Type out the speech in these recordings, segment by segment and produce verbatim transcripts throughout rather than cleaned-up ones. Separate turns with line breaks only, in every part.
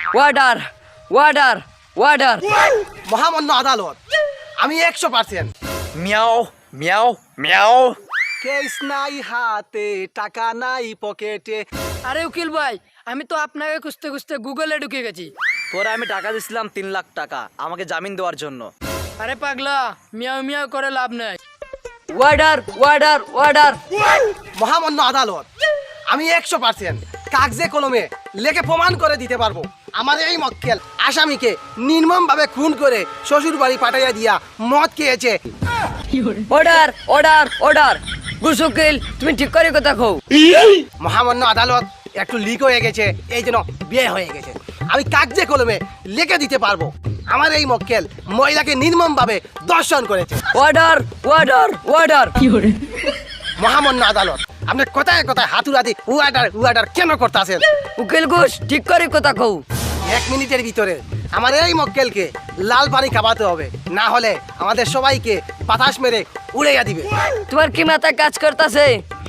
Order warder order
মহামান্য আদালত, আমি একশো পার্সেন্ট।
মিয়াও মিয়াও মিয়াও।
কেস নাই হাতে, টাকা নাই পকেটে।
আরে উকিল ভাই, আমি তো আপনাকে খুঁজতে খুঁজতে গুগলে ঢুকে গেছি।
তোরা আমি টাকা দিছিলাম তিন লাখ টাকা আমাকে জামিন দেওয়ার জন্য।
আরে পাগলা, মিয়াও মিয়াও করে লাভ নাই। ওয়ার্ডার ওয়ার্ডার ওয়ার্ডার
মহামান্য আদালত, আমি একশো পার্সেন্ট কাগজে কলমে লেখে প্রমাণ করে দিতে পারবো আমার এই মক্কেল আসামিকে নির্মম ভাবে খুন করে শ্বশুর বাড়ি পাঠাইয়া দিয়া মদ খেয়েছে।
অর্ডার অর্ডার অর্ডার গুস উকিল, তুমি ঠিক করে কথা কও।
মহামান্য আদালত, একটু লিক হয়ে গেছে, এই জন্য বিয়ে হয়ে গেছে। আমি কাগজে কলমে লিখে দিতে পারবো আমার এই মক্কেল মহিলাকে নির্মম ভাবে দর্শন করেছে।
অর্ডার অর্ডার অর্ডার
মহামান্য আদালত, আপনি কোথায় কোথায় হাতুড়াদি উয়াডার উয়াডার কেন করতেছেন?
উকিল ঘোষ, ঠিক করে কথা কও।
এক মিনিটের ভিতরে আমার এই মক্কেলকে লাল পানি খাওয়াতে হবে, না হলে আমাদের সবাইকে বাতাস মেরে উড়াইয়া দিবে।
তোমার কি মাথা কাজ করতেছে?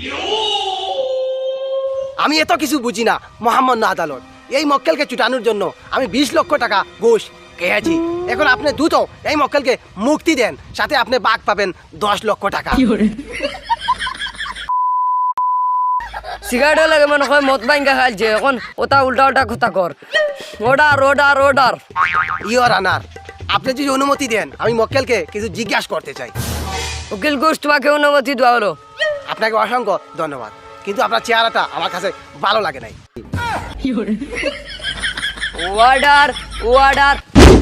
আমি এত কিছু বুঝি না মহামান্য আদালত। এই মক্কেলকে চুটানোর জন্য আমি বিশ লক্ষ টাকা ঘুষ খেয়েছি। এখন আপনি দ্রুত এই মক্কেলকে মুক্তি দেন, সাথে আপনি বাঘ পাবেন দশ লক্ষ টাকা।
সিগারেট লাগে মনে হয় মদ বাইঙ্গা খাইছে, এখন ওটা উল্টা উল্টা কথা কর। অর্ডার অর্ডার অর্ডার
ইয়র আনার, আপনি যদি অনুমতি দেন আমি মক্কেলকে কিছু জিজ্ঞাসা করতে চাই।
উকিল ঘোষ, তোমাকে অনুমতি দেওয়া হলো।
আপনাকে অসংখ্য ধন্যবাদ, কিন্তু আপনার চেহারাটা আমার কাছে ভালো লাগে নাই।
অর্ডার অর্ডার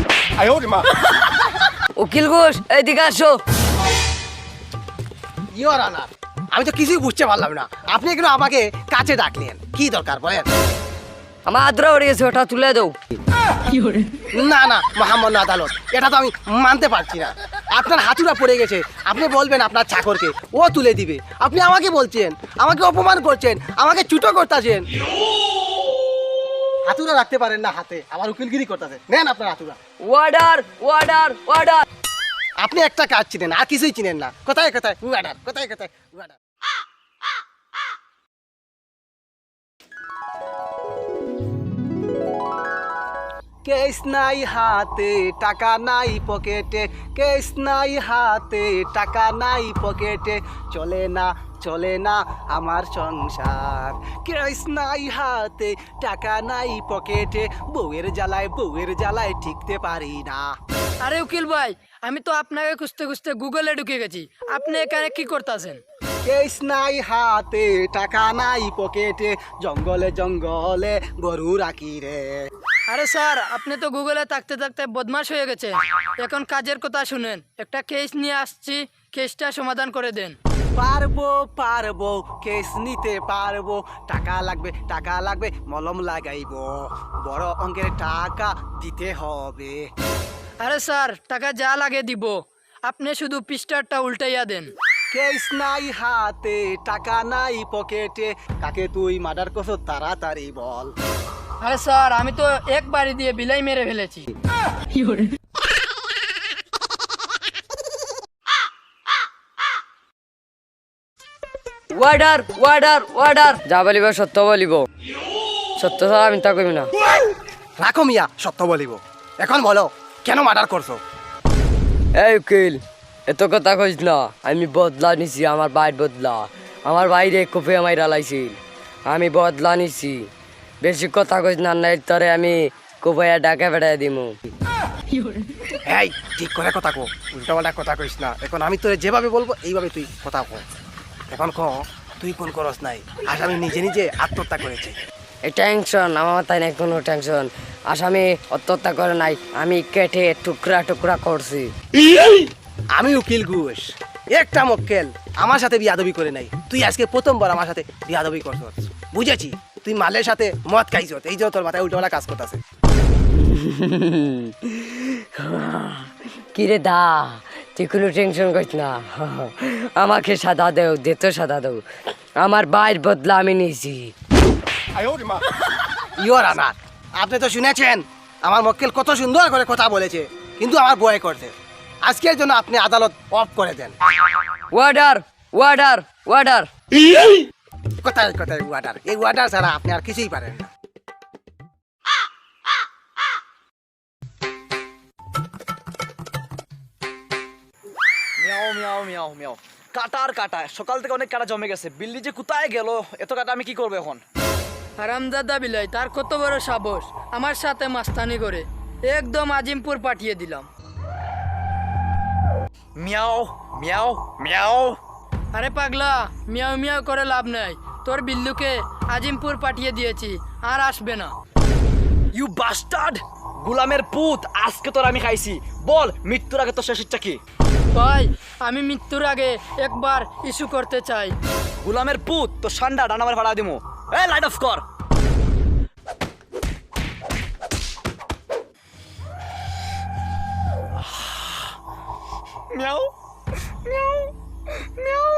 উকিল ঘোষ, এইদিকে আসো।
ইয়র আনার, আমি তো কিছুই বুঝতে পারলাম না, আপনি এগুলো আমাকে কাছে ডাকলেন, কি দরকার বলেন?
আমার আদ্রা উড়ে গেছে, ওটা তুলে দাও।
না না মহামান্য আদালত, এটা তো আমি মানতে পারছি না। আপনার হাতুড়া পড়ে গেছে, আপনি বলবেন আপনার চাকরকে, ও তুলে দিবে। আপনি আমাকে বলছেন, আমাকে অপমান করছেন, আমাকে চুটো করতেছেন। হাতুড়া রাখতে পারেন না হাতে, আমার উকিলগিরি করতেছেন। নেন আপনার হাতুড়া।
অর্ডার অর্ডার অর্ডার
আপনি একটা কাজ চিনেন, আর কিছুই চিনেন না। কোথায় কোথায় উয়াডার, কোথায় কোথায় উয়াডার। কেস নাই হাতে, টাকা নাই পকেটে। কেস নাই হাতে, টাকা নাই পকেটে। চলে না চলে না আমার সংসার। কেস নাই হাতে, টাকা নাই পকেটে। বউয়ের জ্বালায় বউয়ের জ্বালায় ঠিকতে পারি না।
আরে উকিল ভাই, আমি তো আপনাকে খুঁজতে খুঁজতে গুগলে ঢুকে গেছি। আপনি এখানে কি করতেছেন?
কেস নাই হাতে, টাকা নাই পকেটে। জঙ্গলে জঙ্গলে গরু রাখি রে।
আরে স্যার, আপনি তো গুগলে থাকতে থাকতে বদমাশ হয়ে গেছে। এখন কাজের কথা শুনেন, একটা কেস নিয়ে আসছি, কেসটা সমাধান করে দেন।
পারবো পারবো, কেস নিতে পারবো। টাকা লাগবে টাকা লাগবে, মলম লাগাইবো। বড় অঙ্কের টাকা দিতে হবে।
আরে স্যার, টাকা যা লাগে দিব, আপনি শুধু পৃষ্ঠারটা উল্টাইয়া দেন।
কেস নাই হাতে, টাকা নাই পকেটে। কাকে তুই মার্ডার করছো তাড়াতাড়ি বল।
আরে স্যার, আমি তো এক বাড়ি দিয়ে বিলাই মেরে ফেলেছি। ওয়ার্ডার ওয়ার্ডার ওয়ার্ডার যা বলিব সত্য বলিব, সত্য স্যার আমি তা কইব না।
রাখো মিয়া, সত্য বলিব। এখন বলো, কেন মার্ডার করছো?
এই উকিল, এত কথা কইস না। আমি বদলা নিছি, আমার বাইর বদলা। আমার বাইরে কোপে মাইরা লাইছিল, আমি বদলা নিছি। বেশি কথা কইস না, নাই তরে আমি কোপাইয়া ডাকে ফেটাই দিমু।
এই ঠিক করে কথা কো, উল্টাপাল্টা কথা কইস না। এখন আমি তোরে যেভাবে বলবো এইভাবে তুই কথা কো। এখন ক, তুই কোন করস নাই? আসামি নিজে নিজে আত্মহত্যা করেছে।
এই টেনশন আমার মাথায় নাই কোনো টেনশন। আসামি আত্মহত্যা করে নাই, আমি কেটে টুকরা টুকরা করছি।
আমি উকিল ঘোষ, একটা মক্কেল আমার সাথে বিয়াদবি করে নাই। তুই আজকে প্রথমবার আমার সাথে বিয়াদবি করছস। বুঝেছি, তুই মালের সাথে মদ খাইছ, এই জন্য তোর মাথায় উল্টোপাল্টা কাজ করতেছে।
কিরে দা, তুই কোনো টেনশন করিস না। আমাকে সাদা দেও, দে তো সাদা দেও। আমার বাইর বদলা আমি নিয়েছি।
ইয়োর আনার, আপনি তো শুনেছেন আমার মক্কেল কত সুন্দর করে কথা বলেছে, কিন্তু আমার ভয় করছে। আজকের জন্য আপনি আদালত অফ করে দেন।
ওয়ার্ডার ওয়ার্ডার ওয়ার্ডার
কোথায় কোথায় ওয়াটার? এই ওয়াটার ছাড়া আপনি আর কিছুই পারেন না।
মিয়াও মিয়াও মিয়াও মিয়াও কাটা আর কাটা, সকাল থেকে অনেক কাটা জমে গেছে। বিল্লি যে কোথায় গেল, এত কাটা আমি কি করবো এখন?
হারামজাদা বিলাই, তার কত বড় সাহস আমার সাথে মাস্তানি করে, একদম আজিমপুর পাঠিয়ে দিলাম।
মিয়াও মিয়াও মিয়াও।
আরে পাগলা, মিয়াও মিয়াও করে লাভ নাই, তোর বিল্লুকে আজিমপুর পাঠিয়ে দিয়েছি, আর আসবে না।
ইউ বাস্টার্ড, গুলামের পুত, আজকে তোর আমি খাইছি। বল মৃত্যুর আগে তোর শেষ ইচ্ছা কি?
ভাই, আমি মৃত্যুর আগে একবার ইস্যু করতে চাই।
গুলামের পুত, তোর সান্ডা ডানামার ভাড়া দিমু। এ লাইট অফ কর। মিয়াও মিয়াও মিয়াও।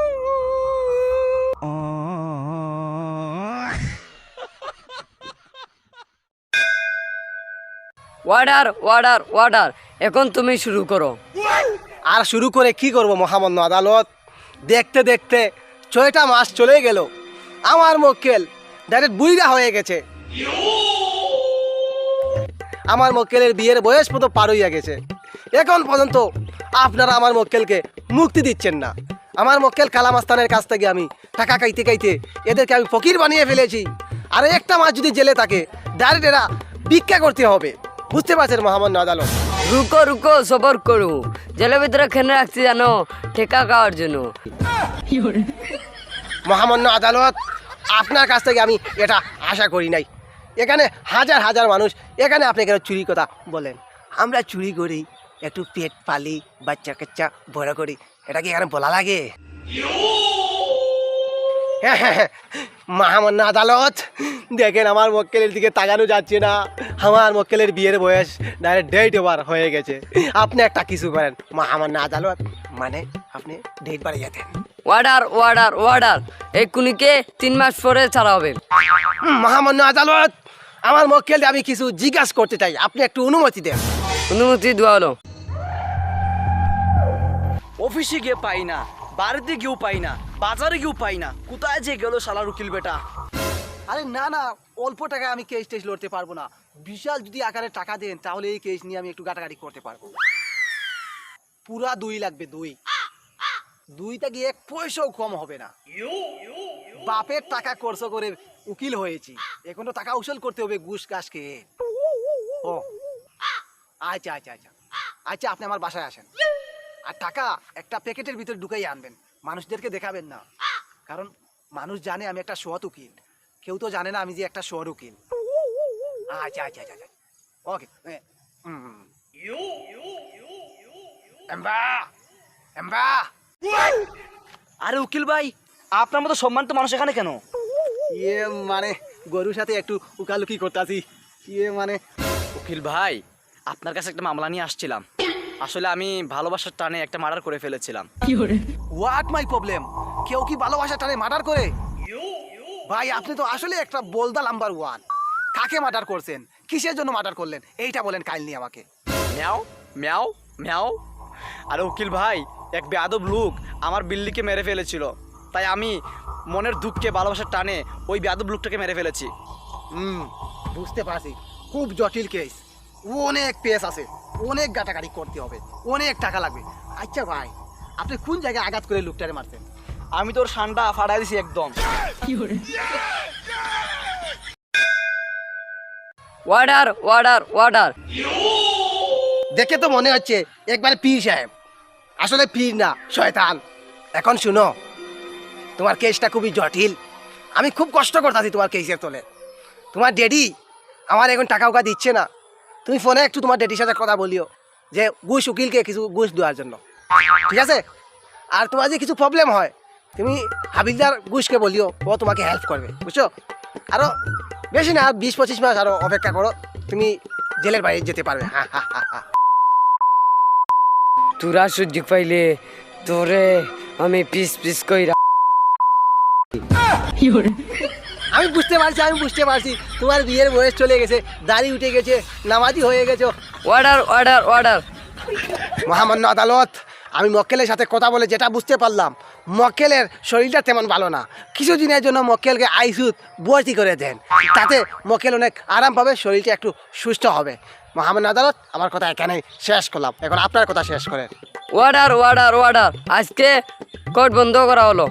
ওয়ার্ডার ওয়ার্ডার ওয়ার্ডার, এখন তুমি শুরু করো।
আর শুরু করে কি করব মহামান্য আদালত? দেখতে দেখতে ছয়টা মাস চলে গেল, আমার মক্কেল ডাইরেক্ট বুড়িরা হয়ে গেছে। আমার মক্কেলের বিয়ের বয়স মতো পার হইয়া গেছে, এখন পর্যন্ত আপনারা আমার মক্কেলকে মুক্তি দিচ্ছেন না। আমার মক্কেল কালামাস্তানের কাছ থেকে আমি টাকা খাইতে খাইতে এদেরকে আমি ফকির বানিয়ে ফেলেছি। আর একটা মাস যদি জেলে থাকে, ডাইরেক্ট এরা ভিক্ষা করতে হবে। বুঝতে পারছেন মহামান্য আদালত?
রুকো রুকো, সবর করু। জেলের ভিতরে খেনে রাখছি জানো, ঠেকা খাওয়ার জন্য।
মহামান্য আদালত, আপনার কাছ থেকে আমি এটা আশা করি নাই। এখানে হাজার হাজার মানুষ, এখানে আপনি কেন চুরি কথা বলেন? আমরা চুরি করি, একটু পেট পালি, বাচ্চা কাচ্চা বড় করি, এটা কি এখানে বলা লাগে? মহামান্য আদালত, দেখেন আমার মক্কেলের দিকে তাকানো যাচ্ছে না। আমার মক্কেলের বিয়ের বয়স ডাইরেক্ট ডেট ওভার হয়ে গেছে। আপনি একটা কিছু করেন মহামান্য আদালত, মানে আপনি ডেট বাড়িয়ে দেন।
ওয়ার্ডার ওয়ার্ডার ওয়ার্ডার, এই কুনিকে তিন মাস পরে ছাড়া হবে।
মহামান্য আদালত, আমার মক্কেল আমি কিছু জিজ্ঞাসা করতে চাই, আপনি একটু অনুমতি দেন।
অনুমতি দেওয়া হলো।
অফিসে গিয়ে পাই না, বাড়িতে গিয়েও পাই না, বাজারে গিয়েও পাই না, কোথায় যে গেল শালার উকিল বেটা?
আরে না না, অল্প টাকায় আমি কেস টেস লড়তে পারবো না। বিশাল যদি আকারে টাকা দেন, তাহলে এই কেস নিয়ে আমি একটু গাটাগাটি করতে পারবো। পুরা দুই লাগবে, দুই দুইটা গিয়ে এক পয়সাও কম হবে না। বাপের টাকা খরচ করে উকিল হয়েছি, এখন তো টাকা উসুল করতে হবে ঘুষ ঘাস খেয়ে। ও আচ্ছা আচ্ছা আচ্ছা আচ্ছা, আপনি আমার বাসায় আসেন, আর টাকা একটা প্যাকেটের ভিতরে ঢুকাই আনবেন। মানুষদেরকে দেখাবেন না, কারণ মানুষ জানে আমি একটা সৎ উকিল, কেউ তো জানে না আমি যে একটা সৎ উকিল। আচ্ছা আচ্ছা আচ্ছা ওকে। এম্বা এম্বা।
আরে উকিল ভাই, আপনার মতো সম্মানিত মানুষ এখানে কেন?
ইয়ে মানে গরুর সাথে একটু উকালুকি করতেছি। ইয়ে মানে
উকিল ভাই, আপনার কাছে একটা মামলা নিয়ে আসছিলাম। আসলে আমি ভালোবাসার টানে একটা মার্ডার করে ফেলেছিলাম।
What my problem? কেউ কি ভালোবাসা টানে মার্ডার করে? ভাই আপনি তো আসলে একটা বলদা নাম্বার ওয়ান। কাকে মার্ডার করছেন, কিসের জন্য মার্ডার করলেন, এইটা বলেন কাইন্ডলি আমাকে।
মিয়াও মিয়াও মিয়াও। আরে উকিল ভাই, এক বেয়াদব লোক আমার বিল্লিকে মেরে ফেলেছিল, তাই আমি মনের দুঃখে ভালোবাসার টানে ওই বেয়াদব লোকটাকে মেরে ফেলেছি।
হুম, বুঝতে পারছি, খুব জটিল কেস, অনেক পেস আছে, অনেক গাটাগাড়ি করতে হবে, অনেক টাকা লাগবে। আচ্ছা ভাই, আপনি কোন জায়গায় আঘাত করে লোকটারে মারছেন?
আমি তোর সান্ডা ফাটাই দিছি একদম।
Warder warder warder.
দেখে তো মনে হচ্ছে একবার পীর সাহেব, আসলে পীর না, শয়তান। এখন শুনো, তোমার কেসটা খুবই জটিল, আমি খুব কষ্ট করতেছি তোমার কেসের তোলে। তোমার ড্যাডি আমার এখন টাকা উকা দিচ্ছে না, তুমি ফোনে একটু তোমার ড্যাডির সাথে কথা বলিও যে ঘুষ উকিলকে কিছু ঘুষ দেওয়ার জন্য, ঠিক আছে? আর তোমার যে কিছু প্রবলেম হয়, তুমি হাবিলদার ঘুষকে বলিও, ও তোমাকে হেল্প করবে, বুঝছো? আরও বেশি না, বিশ পঁচিশ মাস আরও অপেক্ষা করো, তুমি জেলের বাইরে যেতে পারবে। হ্যাঁ হ্যাঁ হ্যাঁ হ্যাঁ।
তোরা সুযোগ পাইলে তোরে আমি পিস পিস কইরা।
আমি বুঝতে পারছি, আমি বুঝতে পারছি, তোমার বিয়ের বয়স চলে গেছে, দাড়ি উঠে গেছে, নামাজি হয়ে গেছো।
Order order order.
মহামান্য আদালত, আমি মক্কেলের সাথে কথা বলে যেটা বুঝতে পারলাম, মক্কেলের শরীরটা তেমন ভালো না। কিছুদিনের জন্য মক্কেলকে আইসিইউতে ভর্তি করে দেন, তাতে মক্কেল অনেক আরাম পাবে, শরীরটা একটু সুস্থ হবে। মহামান্য আদালত, আমার কথা এখানেই শেষ করলাম, এখন আপনার কথা শেষ করেন।
ওয়ার্ডার ওয়ার্ডার ওয়ার্ডার আজকে কোর্ট বন্ধ করা হলো।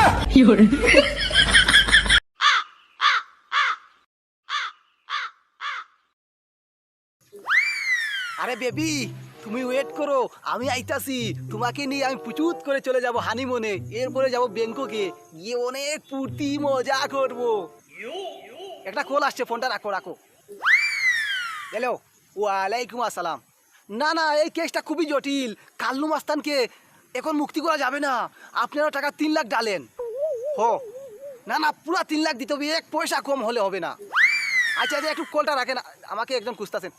আরে বেবি তুমি ওয়েট করো, আমি আইতাছি। তোমাকে নিয়ে আমি পুচুত করে চলে যাব হানিমুনে, এরপরে যাব ব্যাংককে, গিয়ে অনেক ফুর্তি মজা করব। একটা কল আসছে, ফোনটা রাখো রাখো। হ্যালো, ওয়ালাইকুম আসসালাম। না না, এই কেসটা খুবই জটিল। কাল্লু মাস্তানকে এখন মুক্তি করা যাবে না। আপনারা টাকা তিন লাখ ডালেন। হো না না, পুরা তিন লাখ দিতে হবে, এক পয়সা কম হলে হবে না। আচ্ছা আচ্ছা, একটু কলটা রাখেন, আমাকে একজন খুঁজতেছেন।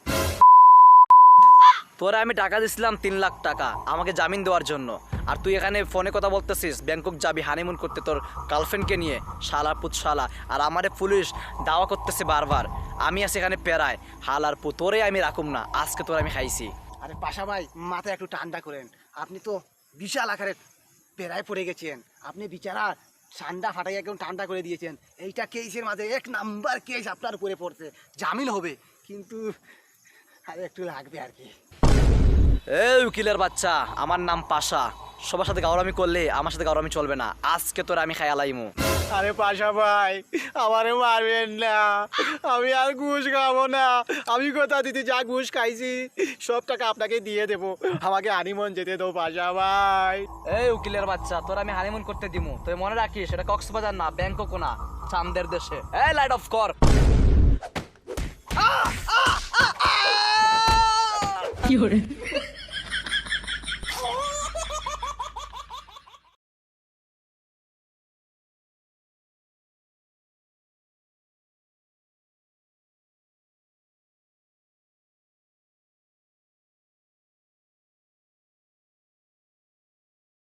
তোরা আমি টাকা দিছিলাম তিন লাখ টাকা আমাকে জামিন দেওয়ার জন্য, আর তুই এখানে ফোনে কথা বলতেছিস ব্যাংকক যাবি হানিমুন করতে তোর গার্লফ্রেন্ডকে নিয়ে, শালার পুত শালা। আর আমারে পুলিশ দাওয়া করতেছে বারবার, আমি আছি এখানে পেরায়। হালার পুত, তোরে আমি রাখুম না, আজকে তোর আমি খাইছি।
আরে পাশা ভাই, মাথা একটু ঠান্ডা করেন। আপনি তো বিশাল আকারে পেরায় পড়ে গেছেন। আপনি বিচারা ঠান্ডা ফাটাই একদম ঠান্ডা করে দিয়েছেন। এইটা কেসের মাঝে এক নাম্বার কেস আপনার উপরে পড়ছে, জামিন হবে, কিন্তু আরে একটু লাগবে আর কি।
এই উকিলের বাচ্চা, আমার নাম পাশা। সবার সাথে গাওরামি করলে আমার সাথে গাওরামি চলবে না, আজকে তোর আমি খায়ালাইমু।
আরে পাশা ভাই, আমারে মারবেন না, আমি আর ঘুষ খাবো না। আমি কথা দিতে যা ঘুষ খাইছি সব টাকা আপনাকে দিয়ে দেবো। আমাকে হানিমুন যেতে দাও পাশা ভাই।
এই উকিলের বাচ্চা, তোর আমি হানিমুন করতে দিমু, তুই মনে রাখিস সেটা কক্সবাজার না, ব্যাংকক না, চাঁদের দেশে। এই লাইট অফ কর।
কি